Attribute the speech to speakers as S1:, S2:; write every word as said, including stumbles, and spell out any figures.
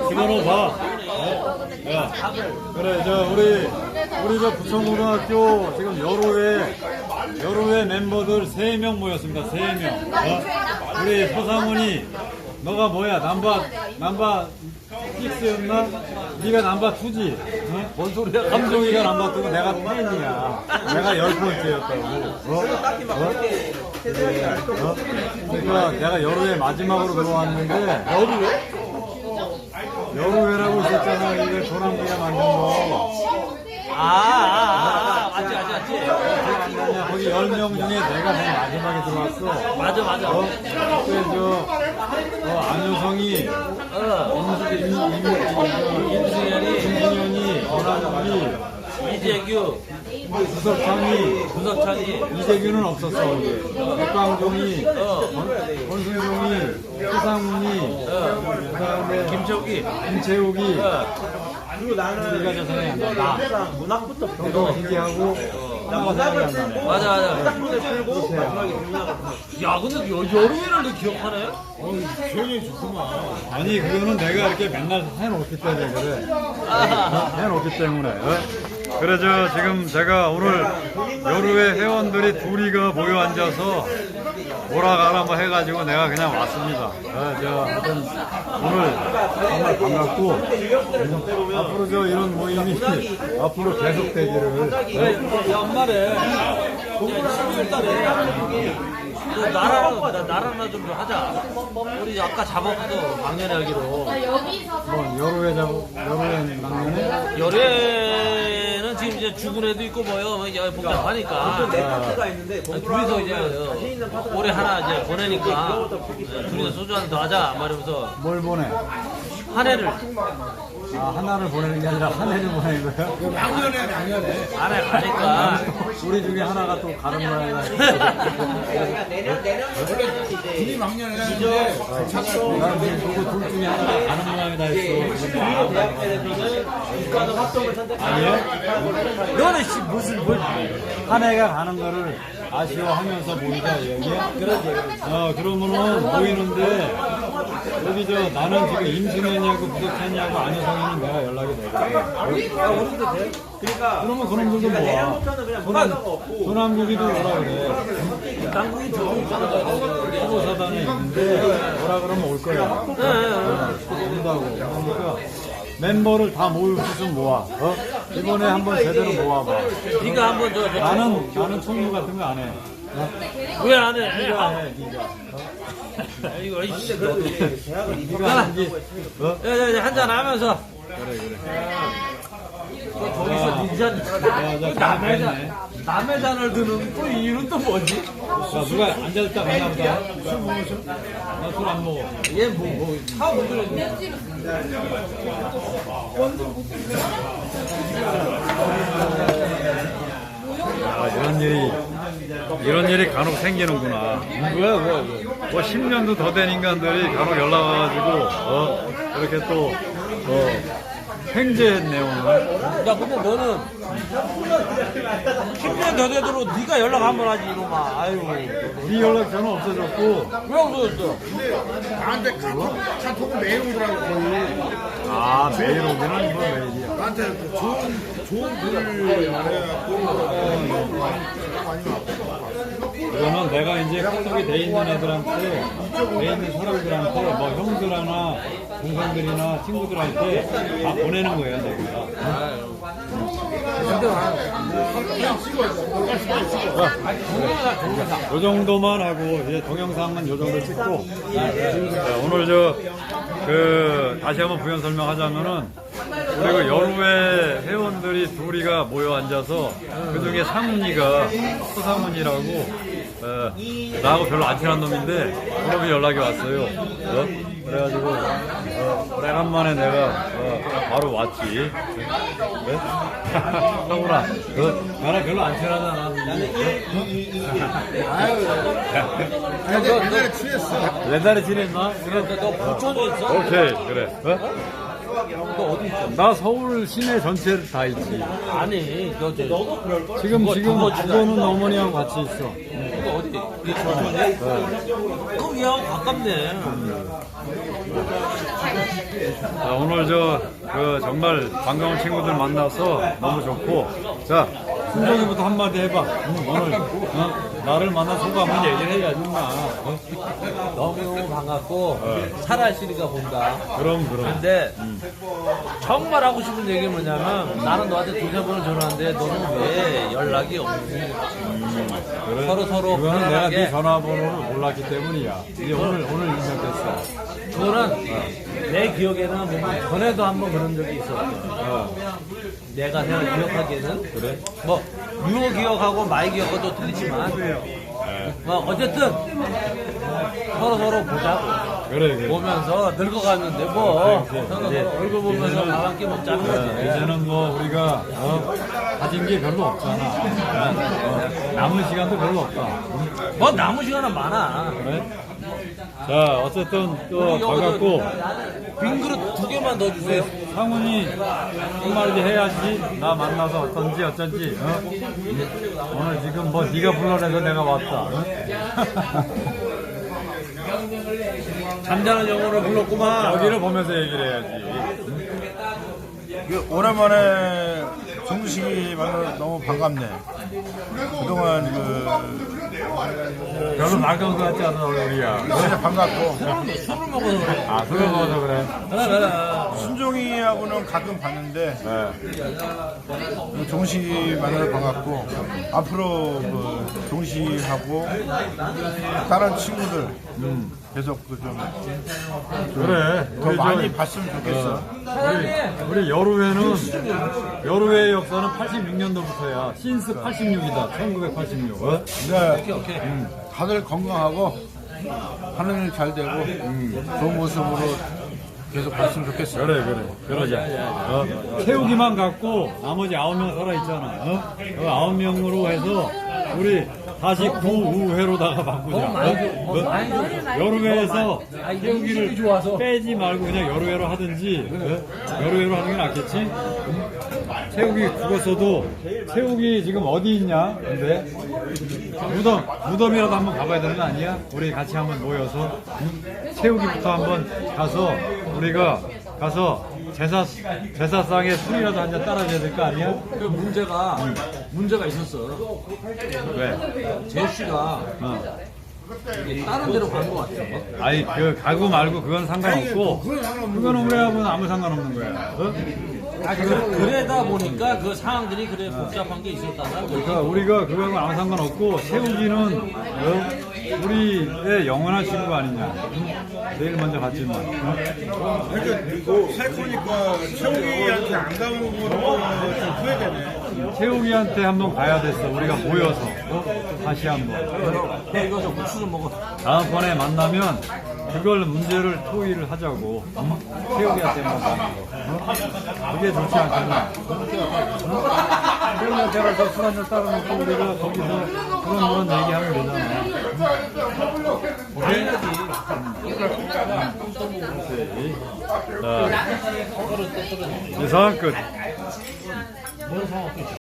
S1: 집어넣어봐. 어? 야, 그래, 저, 우리, 우리 저 부천고등학교 지금 여로회, 여로회 멤버들 세 명 모였습니다. 세 명. 어? 우리 서상훈이, 너가 뭐야? 남바, 남바 식스였나? 네가 남바 투지? 어? 뭔 소리야? 감정이가 남바 투고 내가 텐이야. 내가 열 번째였다고. 어? 어? 그래, 어? 그러니까 내가 여로회 마지막으로 들어왔는데. 여로회? 여로회라고 있었잖아. 이거 조남기가 만든 거.
S2: 아, 아, 아, 맞지, 맞지, 맞지.
S1: 기억 안 나냐? 거기 열 명 중에 내가 맨 마지막에 들어왔어.
S2: 맞아, 맞아.
S1: 어? 그때 저, 어, 안효성이,
S2: 어,
S1: 임승현이, 임승현이, 전환기,
S2: 이재규,
S1: 구석창이,
S2: 구석찬이,
S1: 이재규는 없었어. 거기. 백광종이,
S2: 어,
S1: 권순종이, 최상훈이,
S2: 어,
S1: 그 다음에
S2: 김철기,
S1: 김채욱이,
S2: 어.
S3: 그리고 나는
S1: 우리가 저 생각이 안 나.
S3: 나 문학부터
S1: 그거 기기하고, 하나가 생각이 안 나네.
S2: 맞아, 맞아.
S3: 문학부터 풀고
S1: 그렇죠.
S3: 마지막에 문학
S2: 야, 근데 여, 여름에를 너 기억하네?
S3: 조용히 좋구만.
S1: 아니, 그거는 내가 이렇게 맨날 해놓기 때문에 그래. 어? 해놓기 때문에. 어? 그래, 저, 지금 제가 오늘 여루회 회원들이 둘이가 모여 앉아서 오라가라 뭐 해가지고 내가 그냥 왔습니다. 어, 저, 하여튼, 오늘 정말 반갑고, 앞으로 저 이런 모임이 앞으로 계속되기를. 어?
S2: 야, 엄마래. 십이월 달에. 너 나랑, 나, 나랑 좀 하자. 우리 아까 잡았어, 막년에 하기로.
S1: 뭐, 여루회 잡고, 여루회 막내네?
S2: 열애는 지금 이제 죽은 애도 있고 뭐요, 뭐 이제 복잡하니까.
S3: 내 파트가 있는데
S2: 아니, 둘이서 이제 올해 하나 이제 보내니까 둘이서 소주 한 더 하자 말하면서
S1: 뭘 보내?
S2: 한 해를
S1: 아, 하나를 보내는 게 아니라 한 해를 보내는 거야?
S3: 작년에 작년에.
S2: 안 해 가니까.
S1: 우리 중에 하나가 또 가는 모양이다.
S3: 내년 내년
S4: 둘이 막년이라는데
S1: 나는 지금 누구 둘 중에 하나가 가는 모양이다 했어.
S3: 대학교에서는 국가는 활동을 선택.
S1: 아니에요?
S2: 너는 씨 무슨 뭘?
S1: 한 해가 가는 거를 아쉬워하면서 모이자 얘기야? 그러지. 어, 그러면은 모이는데, 여기 저, 나는 지금 임승현이하고 부석찬이하고 안효성이는 내가 연락이 되거든.
S3: 야, 우리도 돼. 그러니까
S1: 그러면 그놈들도 모아.
S3: 내년부터는 그냥 문화가 없고.
S1: 조남국이도 오라 그래.
S2: 당국이 저기 있잖아.
S1: 후보사단에 있는데, 오라 그러면 올 거야. 온다고. 그러니까 멤버를 다 모을 수 있으면 모아. 어? 이번에 한번 제대로 모아봐.
S2: 네가 한번 저, 저
S1: 나는, 나는 총무 같은 거 안 해.
S2: 왜 안 해?
S1: 네가
S2: 아,
S1: 해, 네가. 어?
S2: 이거 이씨.
S3: 그래도 이제 대학을
S1: 네가 여기, 어?
S2: 한잔 하면서.
S1: 그래, 그래.
S2: 거기서 닌자
S1: 야, 저
S2: 남의
S1: 잘했네.
S2: 잔 남의 잔을 드는 또 이유는 또 뭐지?
S1: 자, 누가 앉아있다 갔나 보다. 술 먹었어? 나 술 안 먹어.
S2: 얘뭐뭐차못 들어.
S1: 아, 이런 일이, 이런 일이 간혹 생기는구나. 뭐야, 뭐, 뭐, 십 년도 더 된 인간들이 간혹 연락 와가지고, 어, 이렇게 또, 어, 횡재했네, 오늘.
S2: 야 근데 너는 십 년 더 되도록 네가 연락 한 번 하지 이놈아. 아유
S1: 네 연락 전화 없어졌고,
S2: 왜 없어졌어?
S4: 나한테 카톡, 카톡은 매일 오더라고 거의.
S1: 아, 매일 오기는 뭐 매일이야.
S4: 나한테 그 좋은 좋은 글을 말해갖고
S1: 그러면 내가 이제 카톡이 돼 있는 애들한테, 돼 있는 사람들한테, 뭐 형들이나 동생들이나 친구들한테 다 보내는 거야, 내가. 요 정도만 하고, 이제 동영상은 요 정도 찍고, 자, 오늘 저, 그, 다시 한번 부연 설명하자면은, 그리고 여루회 회원들이 둘이가 모여 앉아서, 그 중에 상훈이가, 서상훈이라고, 어, 나하고 별로 안 친한 놈인데, 그놈이 연락이 왔어요. 어? 그래가지고, 어, 오래간만에 내가, 어, 바로 왔지. 왜? 상훈아, 너, 나랑 별로 안 친하잖아.
S4: 아니 옛날에 취했어.
S1: 옛날에 지냈나?
S2: 그래 너 부천에 있어?
S1: 오케이, 그래. 어?
S2: 너 어디 있어?
S1: 나 서울 시내 전체를 다 있지.
S2: 아니 너 저, 너도 그럴 걸?
S1: 지금,
S2: 그거,
S1: 지금,
S2: 그거
S1: 그거는 어머니랑 같이 있어.
S2: 너 어디? 네 부천에? 그럼 얘하고 가깝네.
S1: 자, 오늘 저, 그, 정말 반가운 친구들 만나서 너무 좋고. 자, 순정이부터 한마디 해봐. 응, 오늘, 어? 나를 만나 소감을 얘기를 해야지, 마. 어?
S2: 너무 반갑고 살아있으니까 본다.
S1: 그럼, 그럼.
S2: 근데 정말 하고 싶은 얘기 뭐냐면 나는 너한테 두세 번을 전화하는데 너는 왜 연락이 없니?
S1: 그래.
S2: 서로 서로
S1: 그거는 내가
S2: 편안하게.
S1: 네 전화번호를 몰랐기 때문이야. 이제 오늘, 오늘 인정됐어.
S2: 그거는 내 기억에는 뭔가 전에도 한번 그런 적이 있었어.
S1: 어.
S2: 내가 내가 기억하기에는
S1: 그래?
S2: 뭐 유호 기억하고 마이 기억하고도 틀리지만 뭐 어쨌든 서로 서로 보자고
S1: 그래, 그래.
S2: 보면서 늙어가는데 뭐
S1: 그래, 그래.
S2: 서로
S1: 이제-
S2: 서로 얼굴 보면서
S1: 이제는-
S2: 밥 한 끼 먹자는
S1: 어,
S2: 거지.
S1: 이제는 뭐 우리가 어, 가진 게 별로 없잖아. 어, 남은 시간도 별로 없다.
S2: 뭐 남은 시간은 많아.
S1: 그래? 자, 어쨌든 또 반갑고
S2: 빈 그릇 두 개만 더 주세요.
S1: 상훈이 한마디 해야지. 나 만나서 어떤지 어쩐지. 어? 오늘 지금 뭐 네가 불러내서 내가 왔다. 어?
S2: 잠자는 영혼을 불렀구만.
S1: 여기를 보면서 얘기를 해야지.
S5: 그 오랜만에 정식이 만나 너무 반갑네. 그동안 그
S1: 별로 맑은 것 같지 않아 얼굴이야.
S5: 진짜 반갑고
S2: 술을 먹어서 그래.
S1: 아, 술을 먹어서 그래.
S2: 그래 그래.
S5: 순종이하고는 가끔 봤는데
S1: 네.
S5: 정식이 만나서 반갑고 앞으로 그 정식하고 다른 친구들 계속 그좀
S1: 그래.
S5: 더
S1: 우리
S5: 많이
S1: 저-
S5: 봤으면 좋겠어.
S1: 우리, 우리 여루회는 여루회의 역사는 팔십육 년도부터야. 신스 팔십육이다. 천구백팔십육. 어?
S5: 근데 음, 다들 건강하고 하는 일 잘 되고 좋은 모습으로 계속 봤으면 좋겠어.
S1: 그래 그래. 그러자. 어? 채우기만 갖고 나머지 아홉 명 살아 있잖아. 어? 그 아홉 명으로 해서 우리 다시 구우회로다가 바꾸자. 어? 어? 여루회에서 채우기를 빼지 말고 그냥 여루회로 하든지 어? 여루회로 하는 게 낫겠지? 채우기 죽었어도 채우기 지금 어디 있냐? 근데 무덤 무덤이라도 한번 가봐야 되는 거 아니야? 우리 같이 한번 모여서 응? 채우기부터 한번 가서 우리가 가서 제사 제사상에 술이라도 한 잔 따라줘야 될 거 아니야?
S2: 그 문제가 문제가 있었어.
S1: 왜?
S2: 제시가
S1: 어.
S2: 이게 다른 데로 간 것 같아.
S1: 아니 그 가고 말고 그건 상관없고 그거는 우리하고는 아무 상관없는 거야. 어?
S2: 아, 그, 그러다 보니까 그 상황들이 그래 복잡한 게 있었다는 거지.
S1: 그러니까 우리가 그거하고 아무 상관없고 채우기는 어? 우리의 영원한 친구가 아니냐. 응? 내일 먼저 갔지만. 어?
S5: 그러니까 살 거니까 채우기한테 안 가는 거는 좀 후회되네.
S1: 채우기한테 한번 가야 됐어. 우리가 모여서 어? 다시 한번. 어?
S2: 이거 저 고추 좀 먹어.
S1: 다음번에 만나면 그걸 문제를 토의를 하자고. 응? 채우기한테 한번 가는 거. 어? 그게 좋지 않겠나? 어? 채우기한테 가서 술 한잔 따라놓고 우리가 거기서 그런 그런 얘기하면 되잖아. 오케이? 자, 예상 끝.